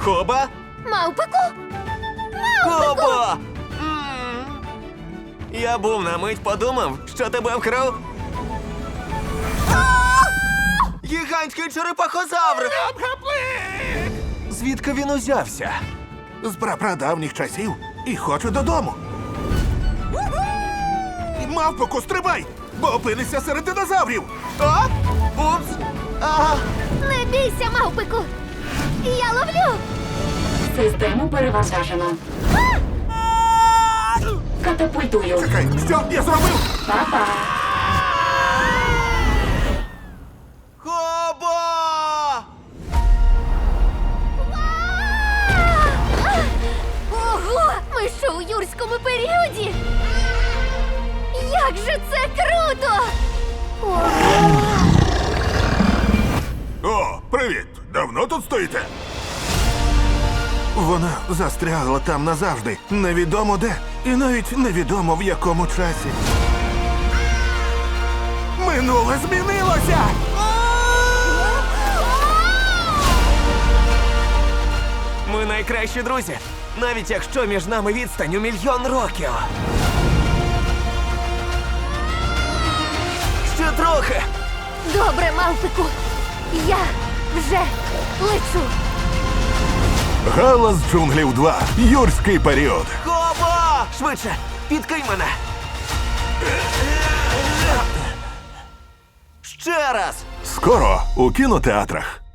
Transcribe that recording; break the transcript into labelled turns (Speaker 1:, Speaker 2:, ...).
Speaker 1: Коба?
Speaker 2: Мавпику?
Speaker 1: Коба! Я був на мить подумав, що тебе вкрав. Гігантський черепахозавр! Звідки він узявся?
Speaker 3: З прапрадавніх часів і хочу додому. Мавпоку, стрибай, бо опинишся серед динозаврів.
Speaker 1: А? Упс! Ага.
Speaker 2: Не бійся, мавпику! Я ловлю!
Speaker 4: Систему перевантажено. Катапультую.
Speaker 3: Чекай, що я зробив?
Speaker 4: Па-па.
Speaker 1: Коба!
Speaker 2: Ого! Ми що у юрському періоді? Як же це круто! Ого!
Speaker 3: О, привіт! Давно тут стоїте? Вона застрягла там назавжди. Невідомо де. І навіть невідомо в якому часі. Минуле змінилося!
Speaker 1: Ми найкращі друзі, навіть якщо між нами відстань у 1 000 000 років. Ще трохи.
Speaker 2: Добре, мавпику! Я вже лечу!
Speaker 3: Галас джунглів 2. Юрський період.
Speaker 1: Коба! Швидше, підкинь мене. Ще раз.
Speaker 3: Скоро у кінотеатрах.